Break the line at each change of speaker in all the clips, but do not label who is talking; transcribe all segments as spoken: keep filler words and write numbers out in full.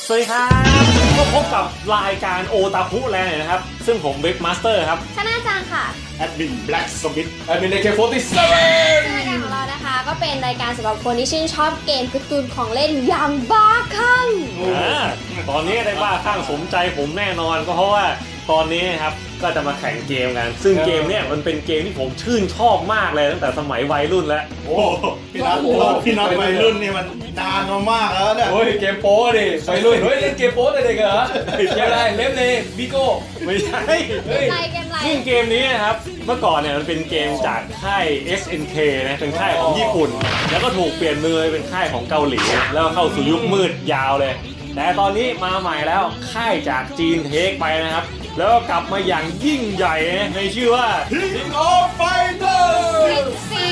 สวัสดีครับก็พบกับรายการโอตาคุแลนด์นะครับซึ่งผมเว็บมาสเตอร์ครับ
ชนะจังค่ะ
แอดมินแบล็กสมิธ
แอดมินเอเคโฟร์ตี้เซเว่น
รายการของเรานะคะก็เป็นรายการสำหรับคนที่ชื่นชอบเกมการ์ตูนของเล่นอย่างบ้าคลั่ง
ตอนนี้ได้บ้าคลั่งสมใจผมแน่นอนก็เพราะว่าตอนนี้ครับก็จะมาแข่งเกมกันซึ่งเกมเนี่ยมันเป็นเกมที่ผมชื่นชอบมากเลยตั้งแต่สมัยวัยรุ่นแล้ว
โอ้พี่น็อตพี่น็อตวัยรุ่นนี่มันนานมากแล้วเนี่ย
โอ้ยเกมโป้ดิวัยรุ่นเฮ้ยเล่นเกมโป้เด็กเหรอเกมอะไรเล่มเลยบิโก้
ไม่ใช่
เกมไรเกมไร
ซึ่งเกมนี้นะครับเมื่อก่อนเนี่ยมันเป็นเกมจากค่าย เอส เอ็น เค นะเป็นค่ายของญี่ปุ่นแล้วก็ถูกเปลี่ยนมือเป็นค่ายของเกาหลีแล้วเข้าสู่ยุคมืดยาวเลยแต่ตอนนี้มาใหม่แล้วค่ายจากจีนเทคไปนะครับแล้วก็กลับมาอย่างยิ่งใหญ่ในชื่อว่า
King of Fighters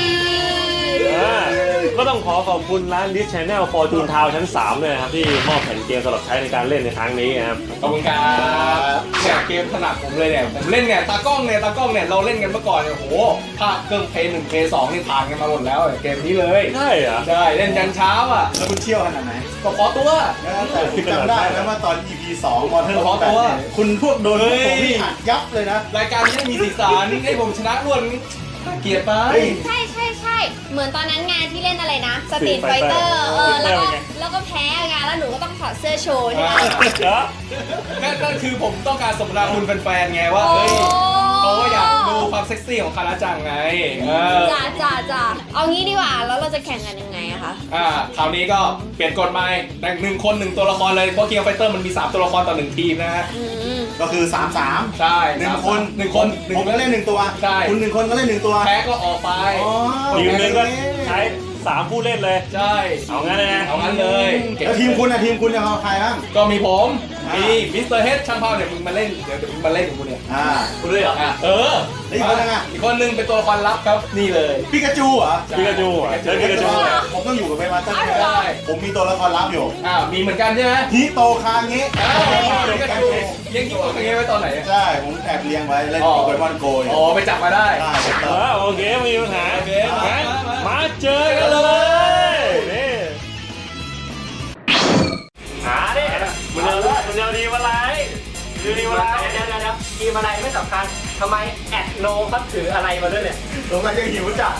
ก็ต้องขอขอบคุณร้าน List Channel Fortune Town ชั้นสามเลยนะครับที่มอบแผ่นเกมสำหรับใช้ในการเล่นในครั้งนี้นะครับ
ขอบคุณครับเนี่ยเกมถนัดผมเลยเนี่ยผมเล่นเนี่ยตากล้องเนี่ยตากล้องเนี่ยเราเล่นกันเมื่อก่อนเนี่ยโหภาคเครื่องเพย์หนึ่งเพย์สองนี่ผ่านกันมาหมดแล้วเกมนี้เลย
ใช่เหรอ
ใช่เล่นยันเช้าอ่ะ
แล้วคุณเชี่ยวขนาดไหน
ก็พอตัว
แต่ผมจำได้นะว่าตอน อี พี สอง Mortal Kombat คุณพวกโดนผมนี่อัดยับเลยนะ
รายการนี้มีสีสันให้ผมชนะรวดเกลียดไป
ใช่ใช่ใช่เหมือนตอนนั้นงานที่เล่นอะไรนะสตรีทไฟเตอร์เออแล้วก็แล้วก็แพ้งานแล้วหนูก็ต้องถอดเสื้อโชว์ใช่ไหม
ก็คือผมต้องการสมนาคุณแฟนๆไงว่าเฮ้ยเขาก็อยากดูความเซ็กซี่ของคาราจังไง
จ้าจ้าจ้าเอางี้ดีกว่าแล้วเราจะแข่งกันยังไงอะคะ
อ่าคราวนี้ก็เปลี่ยนกฎใหม่แต่หนึ่งคนหนึ่งตัวละครเลยเพราะเกียร์ไฟเตอร์มันมีสามตัวละครต่อหนึ่งทีมนะฮะ
ก็คือสาม สาม
ใช่
หนึ่งคน
หนึ่งคน
ผมก็เล่นหนึ่งตัว
ใช่
คุณหนึ่งคนก็เล่นหนึ่งตัว
แพ้ก็ออกไป
ทีมนึงก็ใช้สามผู้เล่นเลย
ใช่
เอางั้นเลยนะ
เอางั้นเลย
แล้วทีมคุณนะทีมคุณจะเอาใครบ้าง
ก็มีผมมีมิสเตอร์เฮดช่างภาพเนี่ยมึงมาเล่นเดี๋ยวมึงมาเล่นกับกูเนี่ย
อ่า
กูด้วยเหรอเออ
อีกคนนึงอ่ะ
อีกคนนึงเป็นตัวละครลับครับนี่เลย
ปิกาจูเหรอ
ปิกาจูอ่ะเจอปิกาจู
ผมต้องอยู่กับเบมาสเตอร์ไม่ได้ผมมีตัวละครลับอยู่
อ่ามีเหมือนกันใช่ไหม
ฮิโตคาเงะ
ปิกาจูเลี้ยงฮิโตคาเงะไว้ตอนไหน
ใช่ผมแอบเลี้ยงไว้เล่นโปเกมอนโก
อ๋อไปจับมาได้
โอเคไม่มีปัญหามาเจอกันเลยนี่หาดิมันจะมันจะดีอะไรดีอะไร
เดี๋ยวเดี๋ยวเดี๋ยวทีมอะไรไม่สำคัญทำไมแอดโนเขาถืออะไรมาด้วยเนี่ย
สงสัยจะหิวจัด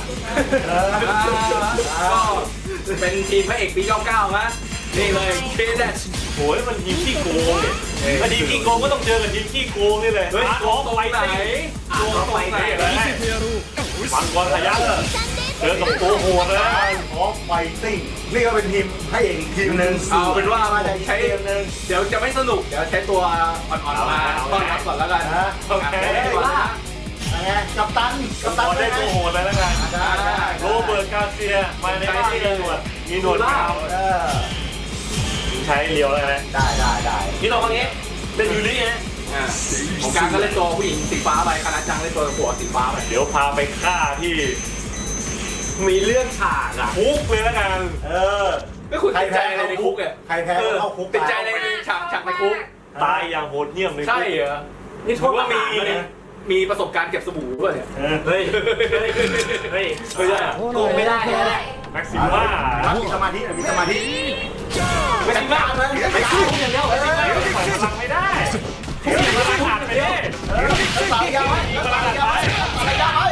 ก็เป็นทีมพระเอกปีเก้าเก้ามั้ยนี่เลยเคเดช
โอ้ยมันทีมขี้โกงเนี่ยถ้าทีมขี้โกงก็ต้องเจอกับทีมขี้โกงนี่เลย
เฮ้ยโกงตรงไหน
โกงตรงไหนเลยมังกรพยัคฆ์เจอกับตัวโหดเลย
ออฟไฟติ้งนี่ก็เป็นทีมให้เองทีมหนึ่ง
เอาเป็นว่ามาใช้เดี๋ยวจะไม่สนุกเดี๋ยวใช้ตัวอ่อนๆมาต้อนรับก่อนแล้วกันนะ
โอเค
ว่าไงกัปตันกัปตัน
ได้ตัวโหดเลยแล้วกันโรเบิร์ตกาเซียมาในบ้านที่มีหนวดมีหนวดยาวใช้เลียวแล้วนะ
ได้ได้ได้
พี่น้องคนนี้
เป็นยูริไง
ของการก็เล่นตัวผู้หญิงสีฟ้าไปคณะจังเล่นตัวผัวสีฟ้าไป
เดี๋ยวพาไปฆ่าที่
มีเรื่องฉากอะ
คุกเลยแล้วกัน
เออ
ไม่คุณติดใจอะไรในคุกเนี่ย
ใครแพ้เข้าคุก
ติดใจในฉากฉากในคุก
ตายอย่างโหดเหี้ยมเลย
ใช่เหรอ
นี่โทษว่ามี
มีประสบการณ์เก็บสบู่ด้วยเนี่ย
เฮ้ยเฮ้ยเฮ้ยไม่ได้โกงไม่ได้เลย
แม็กซิม่า
มีสมาธิมีสมาธิ
ไม่ได้บ้าเลย
ไม่สู้อย่างเดียว
ปล่อยพลังไม่ได้ปล่อยพลังขาดไปดิ
สายยาวไว้สายยาวไว้สายยาวไว้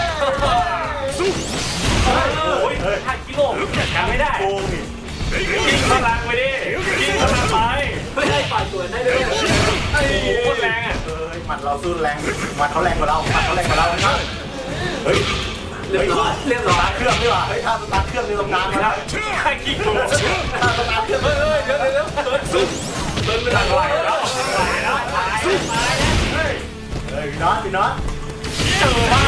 โอ้ยห้ากิโลจัดการไม่ได้ยิงพลังไปดิยิงพลังไป
ไม่ได้ปล่อยตัวได้ด้วย
โอ้โหโคตรแรงอ่ะ
เอ้ยหมัดเราสู้แรงหมัดเขาแรงกว่าเราหมัดเขาแรงกว่าเรานะครับ
เฮ้ย
เรียบร้อยเรียบร้อย
เครื่องดีกว่าเฮ้ยถ้าสตาร์ทเครื่องในตำนานนะครับ
ห้ากิโล
ถ้าสตาร์ทเครื่อง
เฮ้ยเดี๋ยวเดี๋ยวเดี๋ยวซุ่ม
เดินไปทางไหนแล้วไหนแล้ว
ซุ่มเฮ้ยเฮ้ยพี่น็อตพี่น็อต
เจอบ้า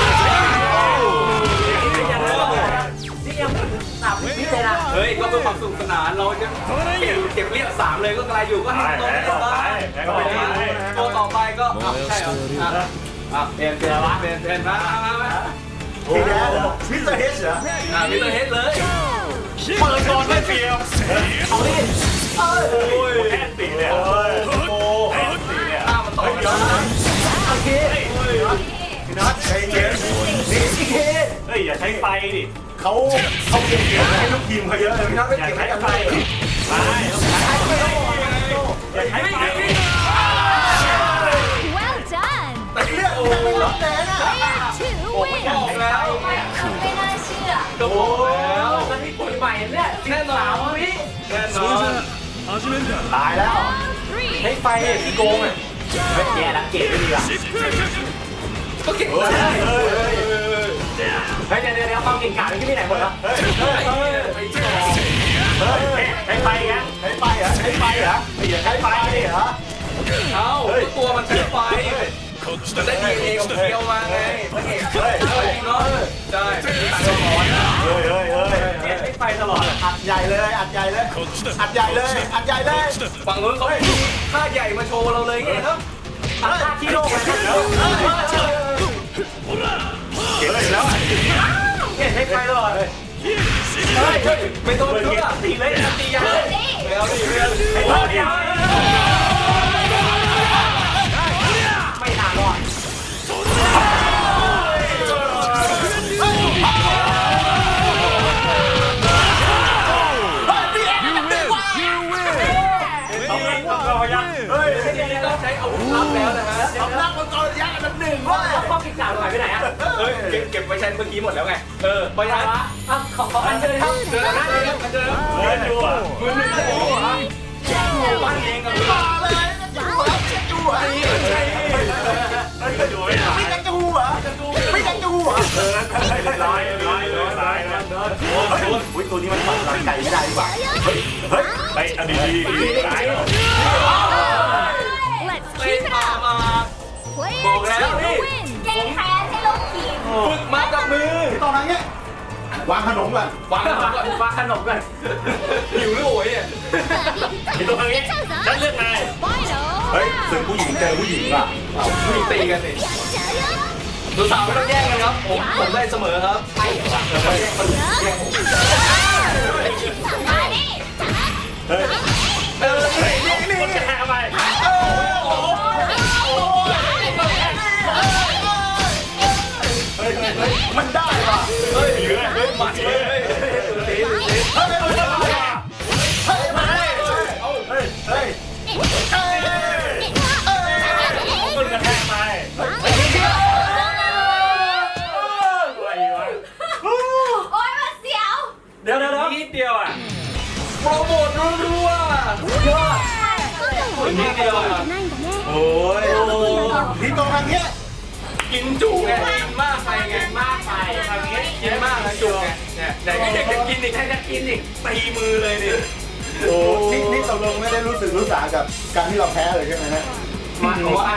นี่ยังสามวิเลยนะ
เฮ้ยก็เพื่อความสนุกสนานเราจะเก็บเรียบสามเลยก็กลายอยู่ก็ให้ตัวต่อไปตัวต่อไปก็ใช่เหรออ่ะเปลี่ยนเปลี่ยนเปลี่ยนเปลี่ยนมามามา
พี่แดนมิสเตอร์เฮดเหรอ
อ่ะมิสเตอร์เฮดเลย
เปิดก่อนไม่เปรียบ
เอาดิ
โอ้ยแอนตีเนี่ยโอ้แอนตีเนี่ย
อ้าวมันต่อไปแล้ว
โอเค
พี่น็อตใจเย็นนี่พี่เค
เฮ้ยอย่าใช้ไฟดิ
เขาเขาเก็บเกี่ยวให้ลูกทีมเขาเยอะเลยพี่น็อตไม่เก็บให้ใคร
ไม่ต้องใช้
ตายแล้ว
ให้ไฟที่โกงอ่ะไม่แย่ละเกตไม่ดีอ่ะ
ก็เก็บได้
เฮ้ยเดี๋ยวเดี๋ยวความเก่งกาจที่ไม่ไหนหมดแล้ว
เฮ้ยเฮ้ย
ไปต่อ
ให้ไฟกัน
ใช้ไฟเหรอใช้ไฟเหรอใช้ไฟเหรอ
เอ้าตัวมันใช้ไฟมันได้ดีเองเดียวมาไง
เฮ้ยเฮ้ย
เฮ้ยเนาะใช่ต่างกันหมด
เฮ้ยเฮ้ยเฮ้ย
เนี่ยให้ไฟตลอด
อัดใหญ่เลยอัดใหญ่เลยอัดใหญ่เลยอัดใหญ่เลย
ฝั่งนู้นเขามีค่าใหญ่มาโชว์เราเลยไงครับ
ทำท่าที่โลกเลยนะ
เฮ้ยแล้ว
เนี่ยให้ไฟตลอดเลย
เฮ้ยไม่ต้องชุดอ่ะตีเลยตียาเลยไม่เอาดิไม่เอาดิ
โอ้เดี๋ยวไม่นานรอด
ต้องเล่นต้องรอยักษ์
เฮ้ย
ต้องใช้อาวุธลับแล้วนะฮะ
สำนักมังกรยักษ์อันดับหนึ่งเว้ย
ความเก่งกาจหายไปไหนอ่ะ
เฮ้ยเก็บเก็บไว้ใช้เมื่อกี้หมดแล้วไงเออเพราะฉะนั้น
อ่ะขอขออันเชิญครับ
เจอกันเจอกันเจอกัน
เล่นอยู่อ่ะ
มือหนึ่งโอ้โหปั้นเองกับมือ
มาเลยจูเหรอจูเหรอ
เฮ้ยอยู่ไม่ได้
ไม่กันจูเหรอไม่กันจูเหรอ
เออเรียบร้อยเรียบร้อยเรียบร้อยนะ
เฮ้ยอุ้ยตัวนี้มันฝังหลังไก่ไม่ได้ดีกว่าเฮ้ยเฮ้ย
ไปอดีตดีดีร้าย
เล่นมามาบอกแล้วนี่
แก้แค้นให้ลูกทีม
ฝึกมากับมือ
ตอนนั้นเนี้ย วางขนมก่อน
วางก่อน
วางขนมกัน
หิวหรือโอยอ่ะ
มีตัวนี้ฉันเลือกนาย
เฮ้ยสึกผู้หญิงเจอผู้หญิงว่ะ
เอาผู้หญิงตีกันสิสาวๆไม่ต้องแย่งกันครับผมผมได้เสมอครับใช่ครับแย่งคนแย่งผม
มาดิ
เฮ้ย
เออนี่นี่
คนจะแพ้ไป
เฮ้ยเฮ้ยมันได้ว่ะ
เฮ้ยเฮ้ยหมัดเลยเฮ้ยตีตี
เฮ้ยเฮ้ยเฮ้ยมาเลยเอาเฮ้ยเฮ้ย
คนจะแพ้ไปอะไรวะ
โอ๊ยมันเสียว
เดี๋ยวเดี๋ยวนิดเดียวอ่ะ
โปรโมทรัวๆยอดนิดเดียวอ่ะ
โอ้ยนี่ตรงทางเนี้ย
กินจุไงกินมากไปไงมากไปทางนี้กินมากนะจุไงเนี่ยไหนก็อยากจะกินอีกใครจะกินอีกตีมือเลยดิ
โอ้นี่นี่ตกลงไม่ได้รู้สึกรู้สากับการที่เราแพ้เลยใช่ไหมฮะ
มาว่า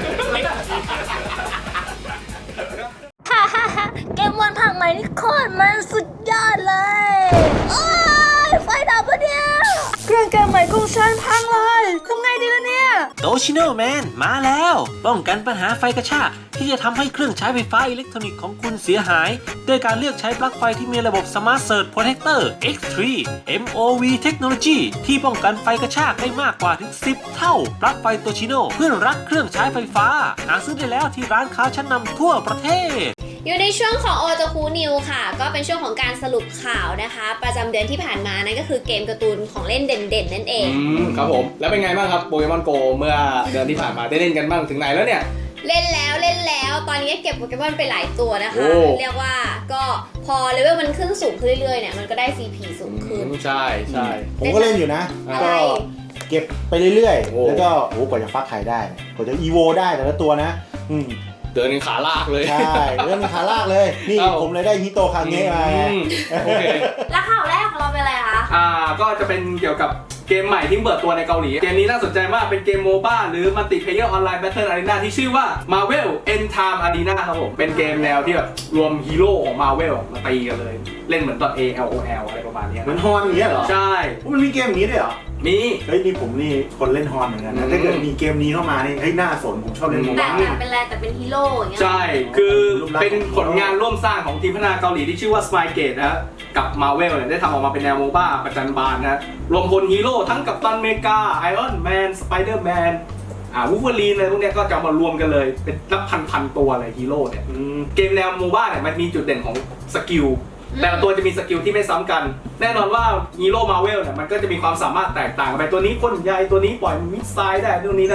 ฮ่าฮ่าฮ่าเกมวันผักใหม่นี่โคตรมันสุดยอดเลยโอ้ยไฟดับปะเนี่ยเครื่องเกมใหม่ของฉันพังเลยทำไงดีล่ะเนี่ย
โตชิโนแมนมาแล้ว ป้องกันปัญหาไฟกระชากที่จะทำให้เครื่องใช้ไฟฟ้าอิเล็กทรอนิกส์ของคุณเสียหายด้วยการเลือกใช้ปลั๊กไฟที่มีระบบ Smart Surge Protector เอ็กซ์ ทรี เอ็ม โอ วี Technology ที่ป้องกันไฟกระชากได้มากกว่าถึงสิบเท่าปลั๊กไฟโตชิโนเพื่อนรักเครื่องใช้ไฟฟ้าหาซื้อได้แล้วที่ร้านค้าชั้นนำทั่วประเทศ
อยู่ในช่วงของโอจาคุนิวค่ะ ก็เป็นช่วงของการสรุปข่าวนะคะ ประจำเดือนที่ผ่านมานั่นก็คือเกมการ์ตูนของเล่นเด่นๆนั่นเอง
อืมครับผมแล้วเป็นไงบ้างครับโปเกมอนโกเมื่อเดือนที่ผ่านมาได้เล่นกันบ้างถึงไหนแล้วเนี่ย
เล่นแล้วเล่นแล้วตอนนี้ก็เก็บโปเกมอนไปหลายตัวนะคะ
โอ้
เรียกว่าก็พอเลเวลมันขึ้นสูงขึ้นเรื่อยๆเนี่ยมันก็ได้ ซี พี สูงขึ้น
ใช่ใช่
ผมก็เล่นอยู่นะ
อะไร
ก็เก็บไปเรื่อย
โอ้
ๆ แล้วก็โอ้กว่าจะฟักไข่ได้กว่าจะอีโวได้แต่ละตัวนะ อืม
เดินขาลากเลย
ใช่เรื่องขาลากเลย นี่
เอ้า
ผมเลยได้ฮิโตคางเงะมาไง
อืมโอเค
แล้วข่าวแรกของเราเป็นอะไรคะ
อ่าก็จะเป็นเกี่ยวกับเกมใหม่ที่เปิดตัวในเกาหลี เกมนี้น่าสนใจมากเป็นเกมโมบ้าหรือมัลติเพลเยอร์ออนไลน์แบทเทิลอารีนาที่ชื่อว่า Marvel End Time Arena ครับผมเป็นเกมแนวที่แบบรวมฮีโร่ของ Marvel มาตีกันเลย เล่นเหมือนตอน เอ แอล โอ แอล อะไรประมาณเนี้ย
มันฮอนอย่างเงี้ยเหรอ
ใช่
มันมีเกมอย่างนี้ด้วยเหรอ
มี
เฮ้ยนี่ผมนี่คนเล่นฮอนเหมือนกัน
อื
นะ
ม
ถ้าเกิดมีเกมนี้เข้ามานี่เฮ้ยน่าสนผมชอบเล่นโม
แต่
บ้า
แบบเป็นอะไรแต่เป็นฮีโร่อย่างเงี้ย
ใช่ คือเป็นผลงานร่วมสร้างของทีมพัฒนาเกาหลีที่ชื่อว่า Spygate นะฮะกับ Marvel เนี่ยได้ทำออกมาเป็นแนวโมบ้าประจันบานนะรวมพลฮีโร่ทั้งกัปตันอเมริกาไอรอนแมนสไปเดอร์แมนอ่าวูฟเวอรีนอะไรพวกเนี้ยก็จะเอามารวมกันเลยเป็นนับพันพันๆตัวเลยฮีโร่เนี่ย
อืม
เกมแนวโมบ้าเนี่ยมันมีจุดเด่นของสกิลแต่ละตัวจะมีสกิลที่ไม่ซ้ำกัน แน่นอนว่าฮีโร่มาเวลเนี่ยมันก็จะมีความสามารถแตกต่างกันไปตัวนี้พ่นใยตัวนี้ปล่อยมิสไซล์ได้ตัวนี้นั่น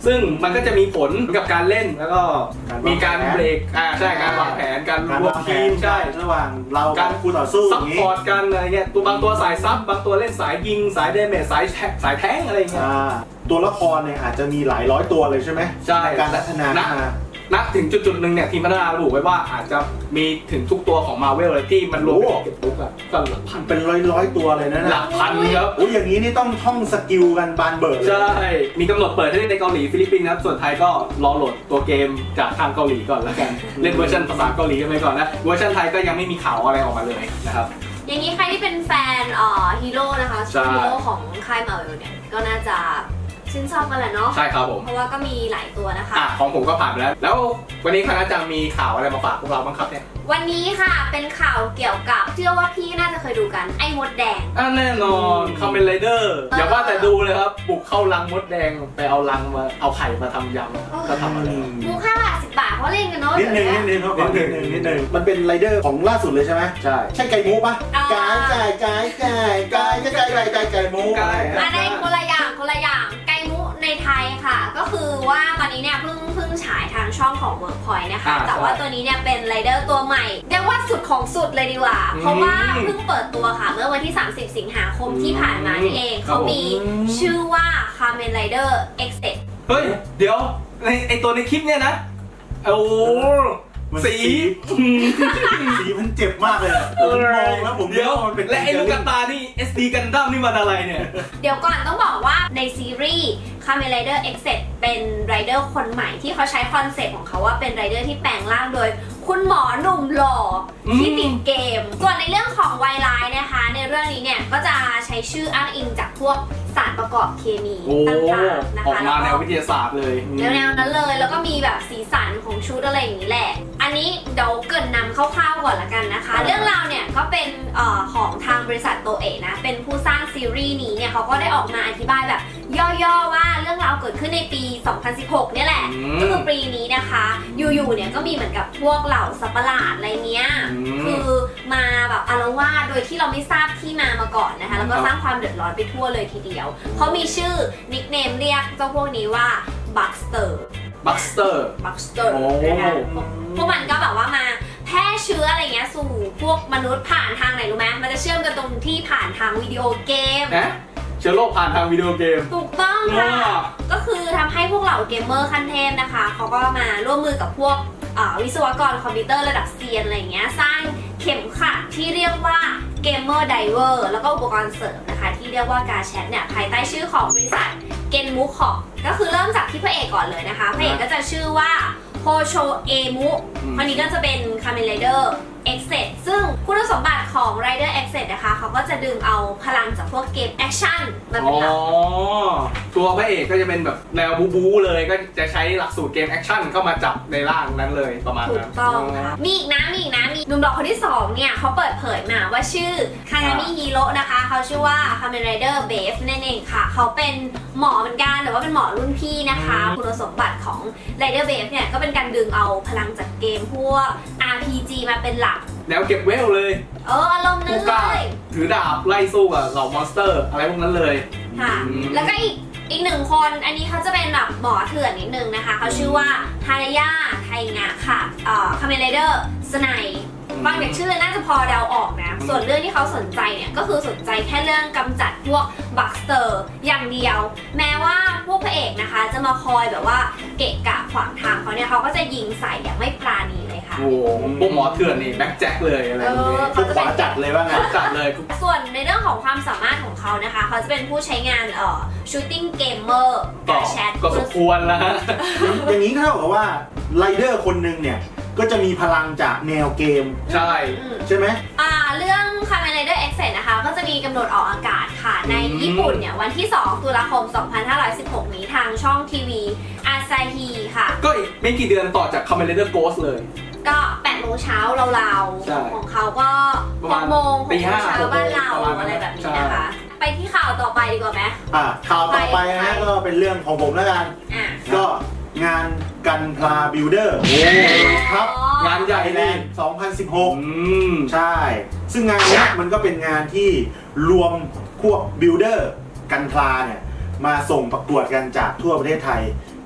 ซึ่งมันก็จะมีผลกับการเล่นแล้วก็มีการเบรกอ่าใช่การวางแผนการ
การ
รว
วาม งแผ
ที
น
มใช่
ระหว่างเรา
กา
กับ
ร
คู่ต่อสู้อ
ซัพ
ย่าง
พ
นี้
อร์ตกันอะไรเงี้ยตัวบางตัวสายซับบางตัวเล่นสายยิงสายเดเมจสายแทสายแท้งอะไรเงี้ย
อ่าตัวละครเนี่ยอาจจะมีหลายร้อยตัวเลยใช่ไหม
ใช่
การพัฒนาขึ้นมา
นับถึงจุดจุดๆหนึ่งเนี่ยทีมพัฒนาระบุไว้ว่าอาจจะมีถึงทุกตัวของ Marvel เลยที่มันรวมเป็นเก็บปุ๊กอะก็หลักพัน
เป็นร้อยร้อยๆตัวเลยนะ
ห
นะ
ลักพันครับ
โอ้ยอย่างนี้นี่ต้องท่องสกิลกันบานเบิร์ดเลย
ใช่ มีกำหนดเปิดให้เล่นในเกาหลีฟิลิปปินส์นะครับส่วนไทยก็รอโหลดตัวเกมจากทางเกาหลีก่อนแล้วกันเล่นเวอร์ชันภาษาเกาหลีกันไปก่อนนะเวอร์ชันไทยก็ยังไม่มีข่าวอะไรออกมาเลยนะครับ
อย่างนี้ใครที่เป็นแฟนเอ่อฮีโร่นะคะ
ใช่
ฮีโร่ของค่ายมาเวลเนี่ยก็น่าจะชื่นชอบกันแหละเนาะ
ใช่ครับผม
เพราะว่าก็มีหลายตัวนะคะ
อ่ะของผมก็ผ่านไปแล้ว แล้ววันนี้คณะจังมีข่าวอะไรมาฝากพวกเราบ้างครับเนี่ย
วันนี้ค่ะเป็นข่าวเกี่ยวกับเชื่อว่าพี่น่าจะเคยดูกันไอ้มดแดง
อ่ะแน่นอนคอมเมนไรเดอร์อย่าว่าแต่ดูเลยครับบุกเข้ารังมดแดงไปเอารังมาเอาไข่มาทำยำก็ทำอะไร
มูค่าบาทสิบบาทเพราะเล่นกันเนาะ
นิดนึงนิดนึงเขาขอนิดนึงนิดนึงมันเป็นไรเดอร์ของล่าสุดเลยใช่ไหม
ใช่
ใช่ไก่มูปะไก่ไก่ไก่ไก่ไก่ไก่ไก่ไก่ไก่มู
ไก่
อันในคนละอย่างคนละอย่างไก่มุในไทยค่ะ ก็คือว่าตอนนี้เนี่ยเพิ่งเพิ่งฉายทางช่องของ Workpoint นะคะ
อ่า
แต่ว่าตัวนี้เนี่ยเป็นไรเดอร์ตัวใหม่เรียกว่าสุดของสุดเลยดีกว่า
อืม
เพราะว่าเพิ่งเปิดตัวค่ะเมื่อวันที่ สามสิบ สิงหาคมที่ผ่านมานี่เอง
ครับ
เขามี
ผม
ชื่อว่า Kamen Rider Exit
เฮ้ยเดี๋ยวในไอตัวในคลิปเนี่ยนะโอ้
มัน
สี
สีมันเจ็บมากเลยอะผมมองแล้วผม
เดี๋ยว
มันเป็น
และไอ้ลูกกระตานี่ เอส ดี กันดั้มนี่มันอะไรเนี่ย
เดี๋ยวก่อนต้องบอกว่าในซีรีส์ Kamen Rider Exit เป็นไรเดอร์คนใหม่ที่เขาใช้คอนเซ็ปต์ของเขาว่าเป็นไรเดอร์ที่แปลงร่างโดยคุณหมอหนุ่มหล่ออ
ม
ที่ติดเกม ส่วนในเรื่องของไวไลน์นะคะ ในเรื่องนี้เนี่ยก็จะใช้ชื่ออ้างอิงจากพวกสารประกอบเคมี
โอ้
ต่างๆนะ
ออก
คะ
มาแน
แล้ว ว
วิทยาศาสตร์เลย
แนวๆนั้นเลย แล้วก็มีแบบสีสันของชุดอะไรอย่างนี้แหละ อันนี้เดี๋ยวเกรินนำคร่าวๆก่อนละกันนะคะ เรื่องราวเนี่ยก็เป็นเอ่อของทางบริษัทโตเอะนะ เป็นผู้สร้างซีรีส์นี้เนี่ยเขาก็ได้ออกมาอธิบายแบบย่อๆว่าเรื่องราวเกิดขึ้นในปี สองพันสิบหก เนี่ยแหละ
อืม
ก็คือปีนี้นะคะ อยู่ๆ เนี่ยก็มีเหมือนกับพวกเหล่าสัตว์ประหลาดอะไรเนี้ย
อืม
คือมาแบบอาละวาดโดยที่เราไม่ทราบที่มามาก่อนนะคะ แล้วก็สร้างความเดือดร้อนไปทั่วเลยทีเดียว เขามีชื่อนิคเนมเรียกเจ้าพวกนี้ว่าบัคสเตอร์
บัคสเตอร์
บัคสเตอร์
โอ้
นะคะพวกมันก็แบบว่ามาแพร่เชื้ออะไรเงี้ยสู่พวกมนุษย์ผ่านทางไหนรู้ไหมมันจะเชื่อมกันตรงที่ผ่านทางวิดีโอเกม
นะเชื้อโรคผ่านทางวิดีโอเกม
ถูกต้องค่ะ
ว้าว
ก็คือทำให้พวกเหล่าเกมเมอร์ขั้นเทพนะคะ เขาก็มาร่วมมือกับพวกอ่าวิศวกรคอมพิวเตอร์ระดับเซียนอะไรเงี้ยสร้างเข็มขัดที่เรียกว่าเกมเมอร์ไดเวอร์แล้วก็อุปกรณ์เสริมนะคะ ที่เรียกว่ากาแชทเนี่ยภายใต้ชื่อของบริษัทเกนมูคอก็คือเริ่มจากที่พระเอกก่อนเลยนะคะพระเอกก็จะชื่อว่าโฮโชเอมุคนนี้ก็จะเป็น Kamen Rider Exit ซึ่งคุณสมบัติของ Rider Exit นะคะเขาก็จะดึงเอาพลังจากพวกเกมแอคชั่นมาเป็น
อ๋อ
หลัก
ตัวพระเอกก็จะเป็นแบบแนวบูบูเลยก็จะใช้หลักสูตรเกมแอคชั่นเข้ามาจับในร่างนั้นเลยประมาณ
ถู
นั้
ก
น
ต้องค่ะ มีอีกนะ มีอีกนะ มีหนุ่มหล่อคนที่สองเนี่ยเขาเปิดเผยมาว่าชื่อคางามิฮีโร่นะคะ เขาชื่อว่า Kamen Rider Beef นั่นเองค่ะ เขาเป็นหมอเหมือนกันแต่ว่าเป็นหมอรุ่นพี่นะคะ คุณสมบัติของ Rider Beef เนี่ยก็เป็นการดึงเอาพลังจากเกมพวก อาร์ พี จี มาเป็นหลัก
แนวเก็บเวลเลย
เอออารมณ์นั้
ผู้
น
ก
เล
ล้าย ถือดาบไล่สู้กับเหล่ามอนสเตอร์อะไรพวกนั้นเลย
ค่ะ
อืม
แล้วก็อีกอีกหนึ่งคน อันนี้เขาจะเป็นแบบหมอเถื่อนนิดนึงนะคะ เขาชื่อว่าฮารายาไทงะค่ะเอ่อ Kamen Rider สไนฟังจากชื่อน่าจะพอเดาออกนะ ส่วนเรื่องที่เขาสนใจเนี่ยก็คือสนใจแค่เรื่องกำจัดพวกบัคสเตอร์อย่างเดียว แม้ว่าพวกพระเอกนะคะจะมาคอยแบบว่าเกะกะขวางทางเขาเนี่ยเขาก็จะยิงใส่อย่างไม่ปราณีเลยค่ะ
โอ้โหพวกหมอเถื่อนนี่แบ็คแจ็คเลยอะไรพวกนี้
เออ
ทุกขวาจัดเลยว่าไง
จัดเลย
ส่วนในเรื่องของความสามารถของเขานะคะ เขาจะเป็นผู้ใช้งานเอ่อ shooting gamer
ก็
แชท
ก็สมควรแล้วฮะ
อย่างนี้เท่ากับว่าไรเดอร์คนหนึ่งเนี่ยก็จะมีพลังจากแนวเกม
ใช่
อืม
ใช่ไหม
อ่าเรื่อง Kamen Rider Exit นะคะ ก็จะมีกำหนดออกอากาศค่ะ ในญี่ปุ่นเนี่ยวันที่ สอง ตุลาคม สองพันห้าร้อยสิบหก นี้ทางช่องทีวีอาซาฮีค่ะ
ก็อีกไม่กี่เดือนต่อจาก Kamen Rider Ghost เลย
ก็แปดโมงเช้าราว
ใช่
ๆของเขาก็
ประ
ห
มาณ
กโมง
ตี
หกโม
ห้าง
เช้าบ้านเรา
ประมาณนั้น
อะไรแบบนี้
ใช่
นะคะ ไปที่ข่าวต่อไปดีกว่าไหม
อ่ะข่าวต่อไป
ไป
นะก็เป็นเรื่องของผมแล้วกัน
อ่ะ
ก็งานกันพลาบิลเดอร์โอ้ครับ
งานใหญ่
ไทยแล
นี่
นด์สองพันสิบหก
อืม
ใช่ ซึ่งงานเนี้ยมันก็เป็นงานที่รวมพวกบิลเดอร์กันพลาเนี่ยมาส่งประกวดกันจากทั่วประเทศไทย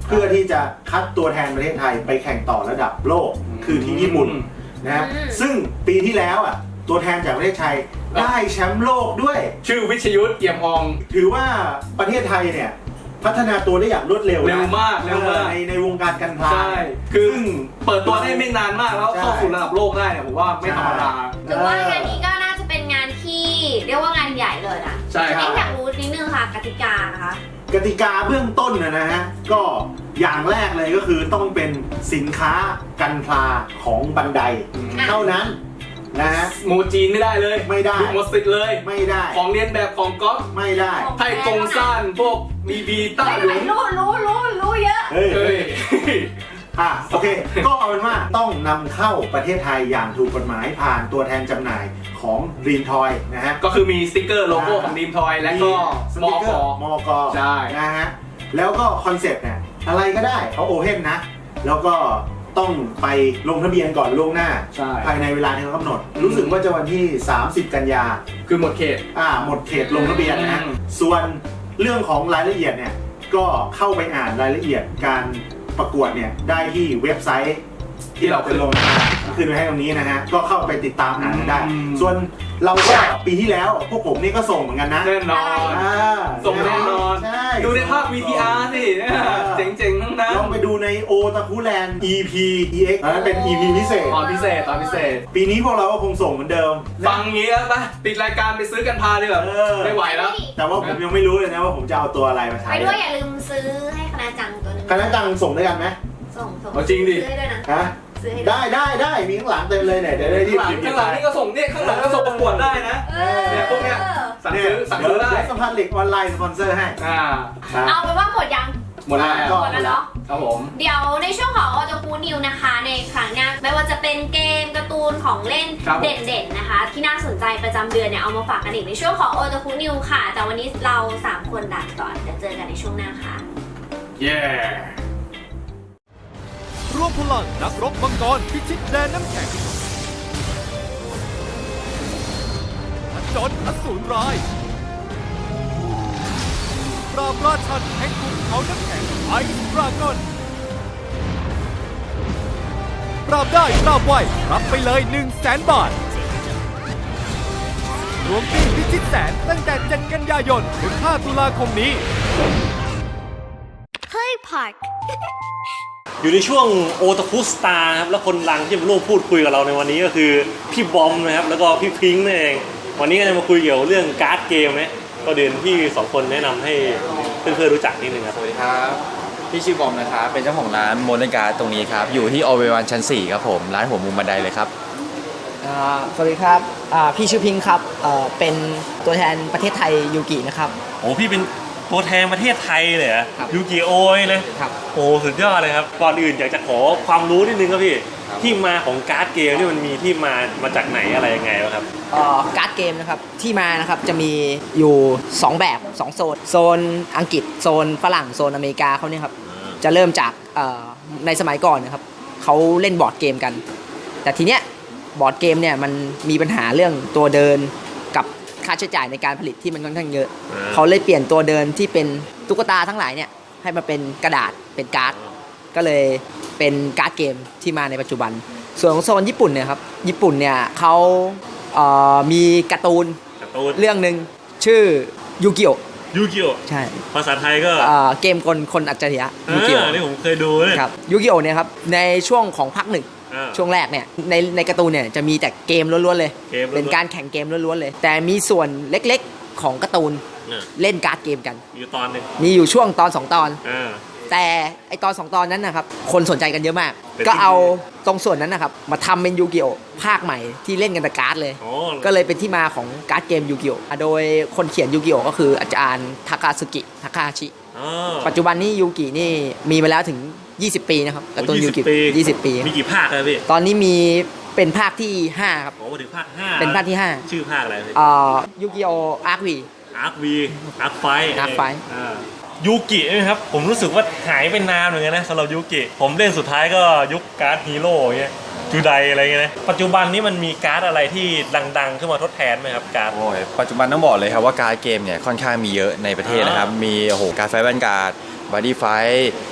เพื่อที่จะคัดตัวแทนประเทศไทยไปแข่งต่อระดับโลกคือที่ญี่ปุ่นนะฮะซึ่งปีที่แล้วอ่ะตัวแทนจากประเทศไทยได้แชมป์โลกด้วย
ชื่อวิชยุทธเอี่ยมออง
ถือว่าประเทศไทยเนี่ยพัฒนาตัวได้อย่างรวดเร็วนะ
เร็วมากเร็วมาก
ในในวงการการพลา
ใช่ คือเปิดตัวได้ไม่นานมากแล้วเข้าสู่ระดับโลกได้เนี่ยผมว่าไม่ธรรมดา
ถือว่างานนี้ก็น่าจะเป็นงานที่เรียกว่างานใหญ่เลยนะ
ใช่ครับ
เอ๊ะอยากรู้นิดนึงค่ะกติกานะคะ
กติกาเบื้องต้นนะนะฮะก็อย่างแรกเลยก็คือต้องเป็นสินค้ากันพลาของบันได
อืม
เท่านั้นนะฮะ
โมจีนไม่ได้เลย
ไม่ได้
หมดสิทธิ์เลย
ไม่ได้
ของเรียนแบบของก๊อฟ
ไม่ได้
ไทยกงซ่านพวกมีบีต้า
ไม่
ห
เป็น
ลุ
ไร
ง
รู้รู้รู้รู้เยอะ
เฮ้ย
เฮ้ย
อ่ะโอเค ก็เอาเป็นว่าต้องนำเข้าประเทศไทยอย่างถูกกฎหมายผ่านตัวแทนจำหน่ายของ Dream Toy นะฮะ
ก็คือมีสติ๊กเกอร์โลโก้ของดีมทอยและก็มอก
มอกอ
ใช่
นะฮะแล้วก็คอนเซ็ปต์เนี่ยอะไรก็ได้เขาโอเพ่นนะ แล้วก็ต้องไปลงทะเบียนก่อนล่วงหน้า
ใช่
ภายในเวลาที่เขากำหนด รู้สึกว่าจะวันที่ สามสิบ กันยา
คือหมดเขต
อ่าหมดเขตลงทะเบียนนะฮะ
อืม
ส่วนเรื่องของรายละเอียดเนี่ยก็เข้าไปอ่านรายละเอียดการประกวดเนี่ยได้ที่เว็บไซต์ที่เราไปลงมาขึ้นไว้ให้ตรงนี้นะฮะก็เข้าไปติดตามอ่านกันได้
อืม
ส่วนเราก็ปีที่แล้วพวกผมนี่ก็ส่งเหมือนกันนะ
แน่นอน
อ่า
ส่งแน่นอน
ใช่
ดูในภาพ วี ที อาร์ สิเนี่ยเจ๋งๆทั้งนั้น
ลองไปดูในโอตาคุแลนด์ อี พี อี เอ็กซ์อันนั้นเป็น อี พี พิเศษ
ตอนพิเศษตอนพิเศษ
ปีนี้พวกเราก็คงส่งเหมือนเดิม
ฟังงี้แล้วปะปิดรายการไปซื้อกันพาดีกว่า
เออ
ไม่ไหวแล้ว
แต่ว่าผมยังไม่รู้เลยนะว่าผมจะเอาตัวอะไรมาใช้
ไปด้วยอย่าลืมซื้อให้คณะจังตัวหนึง
คณะจังส่งด้วยกันไหม
ส่งส่ง
เอาจริงดิ
ซื้อให้ด้วยนะ
ฮะ
ซื้อให้ด้วย
ได้ได้ได้มีข้างหลังเต็มเลยเนี่ยเดี๋ยวได้รีบ
ข้างหลัง
หยิบหยิ
ข้า
บ
งหลังนี่ก็ส่งเนี่ยข้างหลังก็ส่งประกวดได้นะ
เออ
เนี่ยพวกเนี้ย สั่ง
เนี่ย
ซื้อสั่งซื้อได้
เดี๋ยวสมพันธ์เหล็กออนไลน์สปอนเซอร์ให้
อ่า
ครับ
เอาเป็นว่าหมดยัง
หมดแล้ว
ก็
หมดแล้วเนาะ
ครับผม
เดี๋ยวในช่วงของออโตคูนิวนะคะ ในครั้งหน้าไม่ว่าจะเป็นเกมการ์ตูนของเล่น
ครับผม
เด่นๆนะคะ ที่น่าสนใจประจำเดือนเนี่ยเอามาฝากกันอีกในช่วงของออโตคูนิวค่ะ แต่วันนี้เราสามคนลาไปก่อนเดี๋ยวเจอกันในช่วงหน้าค่ะ
เย้
ร่วมพลังนักรบมังกรพิชิตแดนน้ำแข็งผจญอสูรร้าย ปราบราชันแห่งขุนเขาน้ำแข็งไอซ์ดราก้อน ปราบได้ปราบไวรับไปเลย1 0 0 0 0แสนบาท รวมปีพิชิตแสนตั้งแต่เจ็ดกันยายนถึงห้าตุลาคมนี้
เฮ้ยพัก
อยู่ในช่วงโอตาคุสตาร์ครับแล้วคนดังที่มาร่วมพูดคุยกับเราในวันนี้ก็คือพี่บอมนะครับแล้วก็พี่พิงค์นั่นเองวันนี้ก็จะมาคุยเกี่ยวกับเรื่องการ์ดเกมนะก็เดินพี่สองคนแนะนำให้เพื่อนๆรู้จักนิดนึงครับ
สวัสดีครับ พี่ชื่อบอมนะครับ เป็นเจ้าของร้านโมเดิร์นการ์ดตรงนี้ครับ อยู่ที่ออเววันชั้นสี่ครับผม ร้านหัวมุมบันไดเลยครับ
อ่าสวัสดีครับอ่าพี่ชื่อพิงค์ครับเอ่อเป็นตัวแทนประเทศไทยยูกินะครับ
โอ้พี่เป็นตัวแทนประเทศไทยเลยเหรอ
ครับ
ยูกิโอยเลย
ครับ
โอ้สุดยอดเลยครับก่อนอื่นอยากจะขอความรู้นิดนึงครับพี่
ครับ
ที่มาของการ์ดเกมนี่มันมีที่มามาจากไหนอะไรยังไงวะครับ
เอ่อการ์ดเกมนะครับที่มานะครับจะมีอยู่สองแบบสองโซนโซนอังกฤษโซนฝรั่งโซนอเมริกาเขาเนี่ยครับจะเริ่มจากเอ่อในสมัยก่อนนะครับเขาเล่นบอร์ดเกมกัน แต่ทีเนี้ยบอร์ดเกมเนี่ยมันมีปัญหาเรื่องตัวเดินกับค่าใช้จ่ายในการผลิตที่มันค่อนข้างเยอะ
อ่า
เขาเลยเปลี่ยนตัวเดินที่เป็นตุ๊กตาทั้งหลายเนี่ยให้มาเป็นกระดาษเป็นการ์ด ก็เลยเป็นการ์ดเกมที่มาในปัจจุบัน ส่วนของโซนญี่ปุ่นเนี่ยครับญี่ปุ่นเนี่ยเขาเอ่อมีการ์ตูน
การ์ตูน
เรื่องหนึ่งชื่อยูกิโอ
ยูกิโอ
ใช่
ภาษาไทยก็
เอ่อเกมคนคนอัจฉริยะยูกิโอ
อ่านี่ผมเคยดูเนี่ย
ครับยูกิโอเนี่ยครับในช่วงของภาคหนึ่ง
อ่า
ช่วงแรกเนี่ยในในการ์ตูนเนี่ยจะมีแต่เกมล้วนๆเลย
เกมล้วนๆ
เป็นการแข่งเกมล้วนๆเลย แต่มีส่วนเล็กๆของการ์ตูน
อ่า
เล่นการ์ดเกมกัน
อยู่ตอนหนึ่ง
มีอยู่ช่วงตอนสองตอน
อ่า
แต่ไอตอนสองตอนนั้นนะครับคนสนใจกันเยอะมาก
เป็น
ก็เอา
ที่
ตรงส่วนนั้นนะครับมาทำเป็นยูกิโอภาคใหม่ที่เล่นกันแต่การ์ดเลย
โอ้
ก็เลยเป็นที่มาของการ์ดเกมยูกิโอโดยคนเขียนยูกิโอก็คืออาจารย์ทาคาสึกิทาคาชิ
อ๋อ
ปัจจุบันนี้ยูกินี่มีมาแล้วถึง ยี่สิบ ปีนะครับการ์ตูนยูกิ ยี่สิบ ปี
มีกี่ภาคครับพี่
ตอนนี้มีเป็นภาคที่ ห้า ครับ
โอ้ถึงภาคห้า
เป็นภาคที่ ห้า
ชื่อภาคอะไรพี่
เอ่อยูกิโออาร์ควี
อาร์ควีอาร์คไฟ
Arc Fight
ยูกิใช่ไหมครับ ผมรู้สึกว่าหายไปนานเหมือนกันนะสำหรับยูกิ ผมเล่นสุดท้ายก็ยุคการ์ดฮีโร่เงี้ยจูไดอะไรเงี้ยนะปัจจุบันนี้มันมีการ์ดอะไรที่ดังๆขึ้นมาทดแทนไหมครับการ์ด
โอ้ยปัจจุบันต้องบอกเลยครับว่าการ์ดเกมเนี่ยค่อนข้างมีเยอะในประเทศนะครับ มีโอ้โหการ์ดไฟแวนการ์ดบอดี้ไฟ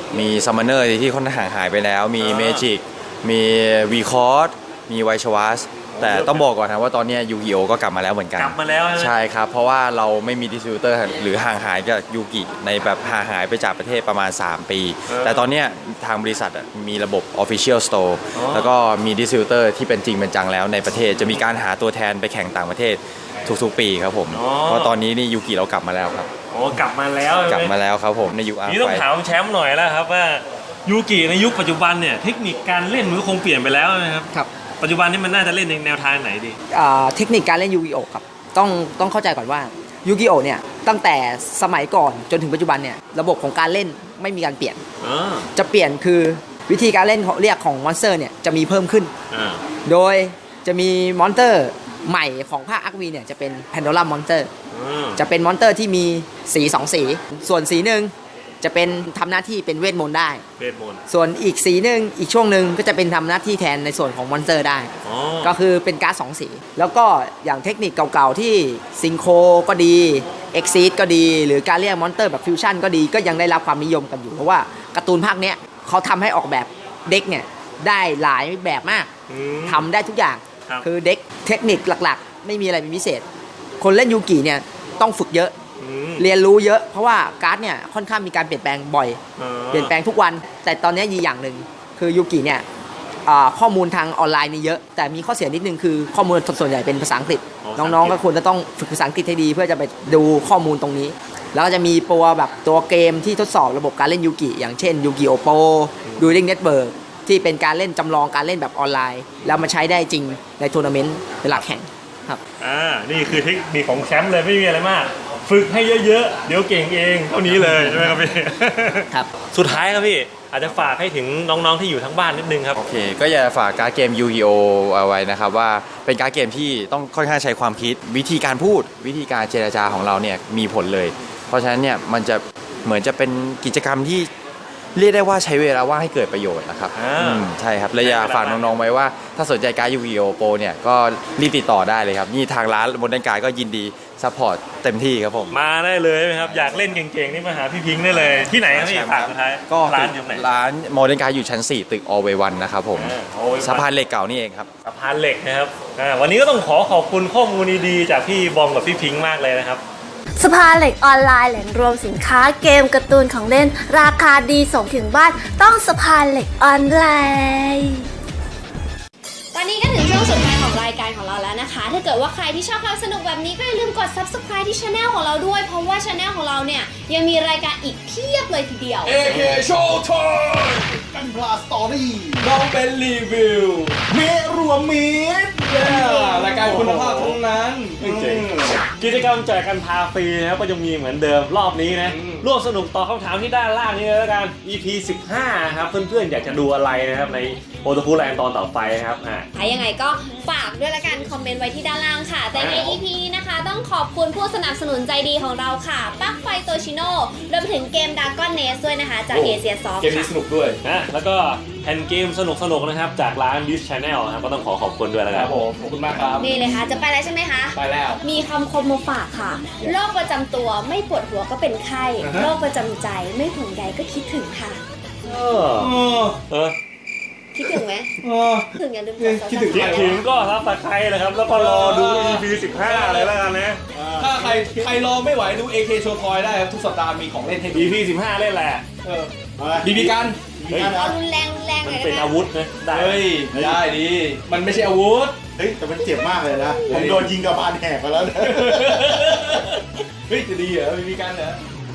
มีซัมมอนเนอร์ที่ค่อนข้างห่างหายไปแล้ว มีเมจิกมีวีคอร์ดมีไวชวัสแต่ต้องบอกก่อนนะว่าตอนนี้ยูกิโอก็กลับมาแล้วเหมือนกัน
กลับมาแล้วใช่ไหม
ใช่ครับ เพราะว่าเราไม่มีดิสติบิวเตอร์หรือห่างหายกับยูกิในแบบห่างหายไปจากประเทศประมาณ สาม ปี แต่ตอนนี้ทางบริษัทมีระบบ Official Store แล้วก็มีดิสติบิวเตอร์ที่เป็นจริงเป็นจังแล้วในประเทศจะมีการหาตัวแทนไปแข่งต่างประเทศทุกๆปีครับผมเพราะตอนนี้นี่ยูกิเรากลับมาแล้วครับ
โอ้กลับมาแล้ว
กลับมาแล้วครับผมในยุคอาร์
นี่ต้อง
ไฟ
ถามแชมป์หน่อยแล้วครับว่ายูกิในยุคปัจจุบันเนี่ยเทคนิคการเล่นมันก็คงเปลี่ยนไปแล้วนะครับ
ครับ
ปัจจุบันนี้มันน่าจะเล่นในแนวทางไหนดี
อ่าเทคนิคการเล่นยูกิโอครับต้องต้องเข้าใจก่อนว่ายูกิโอเนี่ยตั้งแต่สมัยก่อนจนถึงปัจจุบันเนี่ยระบบของการเล่นไม่มีการเปลี่ยน
อ่า
จะเปลี่ยนคือวิธีการเล่นของเรียกของมอนสเตอร์เนี่ยจะมีเพิ่มขึ้น
อ่า
โดยจะมีมอนสเตอร์ใหม่ของภาคอาร์วีเนี่ยจะเป็นแพนโดลัมมอนสเตอร์
อืม
จะเป็นมอนสเตอร์ที่มีสีสองสี ส่วนสีหนึ่งจะเป็นทำหน้าที่เป็นเวทมนต์ได้
เวทมนต์
ส่วนอีกสีหนึ่งอีกช่วงหนึ่งก็จะเป็นทำหน้าที่แทนในส่วนของมอนสเตอร์ได้
อ๋อ
ก็คือเป็นการ์ดสองสี แล้วก็อย่างเทคนิคเก่าๆที่ซิงโคก็ดีเอ็กซีดก็ดี หรือการเรียกมอนสเตอร์แบบฟิวชั่นก็ดีก็ยังได้รับความนิยมกันอยู่ เพราะว่าการ์ตูนภาคเนี้ยเขาทำให้ออกแบบเด็กเนี่ยได้หลายแบบมาก
อืม
ทำได้ทุกอย่าง
ครับ
คือเด็กเทคนิคหลักๆ ไม่มีอะไรเป็นพิเศษ คนเล่นยูกิเนี่ยต้องฝึกเยอะ
อืม
เรียนรู้เยอะเพราะว่าการ์ดเนี่ยค่อนข้างมีการเปลี่ยนแปลงบ่อย
อ่า
เปลี่ยนแปลงทุกวัน แต่ตอนนี้ยีอย่างหนึ่งคือยูกิเนี่ยอ่าข้อมูลทางออนไลน์นี่เยอะ แต่มีข้อเสียนิดนึงคือข้อมูลส่วนใหญ่เป็นภาษาอังกฤษ น้องๆก็ควรจะต้องฝึกภาษาอังกฤษให้ดีเพื่อจะไปดูข้อมูลตรงนี้ แล้วก็จะมีตัวแบบตัวเกมที่ทดสอบระบบการเล่นยูกิอย่างเช่นยูกิโอโปดูริงเน็ตเบิร์กที่เป็นการเล่นจำลองการเล่นแบบออนไลน์ แล้วมาใช้ได้จริงในทัวร์นาเมนต์เวลาแข่งครับ
อ่านี่คือเทคนิคของแชมป์เลยไม่มีอะไรมาก ฝึกให้เยอะๆเดี๋ยวเก่งเองเท่านี้เลยใช่ไหมครับพี่
ครับ
สุดท้ายครับพี่อาจจะฝากให้ถึงน้องๆที่อยู่ทั้งบ้านนิดนึงครับ
โอเค ก็อยากจะฝากการ์ดเกม Yu-Gi-Oh เอาไว้นะครับว่าเป็นการ์ดเกมที่ต้องค่อนข้างใช้ความคิด วิธีการพูดวิธีการเจรจาของเราเนี่ยมีผลเลย เพราะฉะนั้นเนี่ยมันจะเหมือนจะเป็นกิจกรรมที่เรียกได้ว่าใช้เวลาว่างให้เกิดประโยชน์นะครับ
อ่า
อืมใช่ครับและอยากฝากน้องๆไว้ว่าถ้าสนใจการ์ด Yu-Gi-Oh Pro เนี่ยก็รีบติดต่อได้เลยครับนี่ทางร้านบนด้านกายก็ยินดีซัพพอร์ตเต็มที่ครับผม
มาได้เลยไหมครับอยากเล่นเก่งๆนี่มาหาพี่พิงค์ได้เลยที่ไหนครับพี่ฝากสุดท้าย
ก็
ร้านอยู่ไหน
ร้านโมเดิร์นการ์ดอยู่ชั้น สี่ ตึก Always One นะครับผม
อ่าโอ้ย
สะพานเหล็กเก่านี่เองครับ
สะพานเหล็กนะครับอ่าวันนี้ก็ต้องขอขอบคุณข้อมูลดีๆจากพี่บอมกับพี่พิงค์มากเลยนะครับ
สภาเหล็กออนไลน์แหล่งรวมสินค้าเกมการ์ตูนของเล่น ราคาดีส่งถึงบ้านต้องสภาเหล็กออนไลน์
ตอนนี้ก็ถึงช่วงสุดท้ายของรายการของเราแล้วนะคะ ถ้าเกิดว่าใครที่ชอบความสนุกแบบนี้ก็อย่าลืมกด ซับสไครบ์ ที่ channel ของเราด้วย เพราะว่า channel ของเราเนี่ยยังมีรายการอีกเพียบเลยทีเดียว
เอ เค Showtime กันพลาสตอรี่น้องเป็นรีวิว
เมรวมมิตร
รายการคุณภาพทั้งนั้น
เจ๋ง กิจกรรมแจกกันพาฟรีนะครับก็ยังมีเหมือนเดิมรอบนี้นะ
อืม
ร่วมสนุกตอบคำถามที่ด้านล่างนี้เลยแล้วกัน อี พี สิบห้าครับเพื่อนๆอยากจะดูอะไรนะครับในโอตาคุแลนด์ตอนต่อไปครับอ่า
ถ้ายังไงก็ฝากด้วยละกันคอมเมนต์ไว้ที่ด้านล่างค่ะ แต่ใน อี พี นี้นะคะ ต้องขอบคุณผู้สนับสนุนใจดีของเราค่ะปลั๊กไฟโตชิโน่รวมถึงเกม Dragon Nest ด้วยนะคะ จาก
โอ้
เอเชียซอฟ
เกมนี้สนุกด้วย
นะแล้วก็แผ่นเกมสนุกๆนะครับจากร้าน Dish Channel ครับก็ต้องขอขอบคุณด้วยแล้ว
ค
กั
รั
น
บผมขอบคุณมากครับ
นี่เลยค่ะ จะไปแล้วใช่ไหมคะ
ไปแล้ว
มีคำคมมาฝากค่ะ โรคประจำตัวไม่ปวดหัวก็เป็นไข้
อ่าฮะ
โรคประจำใจไม่ห่วงใยก็คิดถึงค่ะ
เออ
เออ
เออ
คิดถึงไหม
เออ
ถึงอย่าลืมกด
คิดถึง
คิด
Subscribe
ถึงก็รับตะไคร้นะครับ แล้วก็รอดู อี พี สิบห้าเลยแล้วกันนะ
ถ้าใครใครรอไม่ไหวดู เอ เค Showtime ได้ครับทุกสัปดาห์มีของเล่นให้ดู
อี พี สิบห้าเล่นแหละ
เออบีบีกัน
เฮ้ย
เอารุนแรงรุนแรงห
มั
น่
น
อย
เป็น
ได้ไหม
อาวุธนะได้
เฮ้ย ได้ดี มันไม่ใช่อาวุธ
เฮ้ยแต่มันเจ็บมากเลยนะ ผมโดนยิงกับบานแหกไปแล้วนะ
เฮ้ย จะดีเหรอบีบีกันเหรอ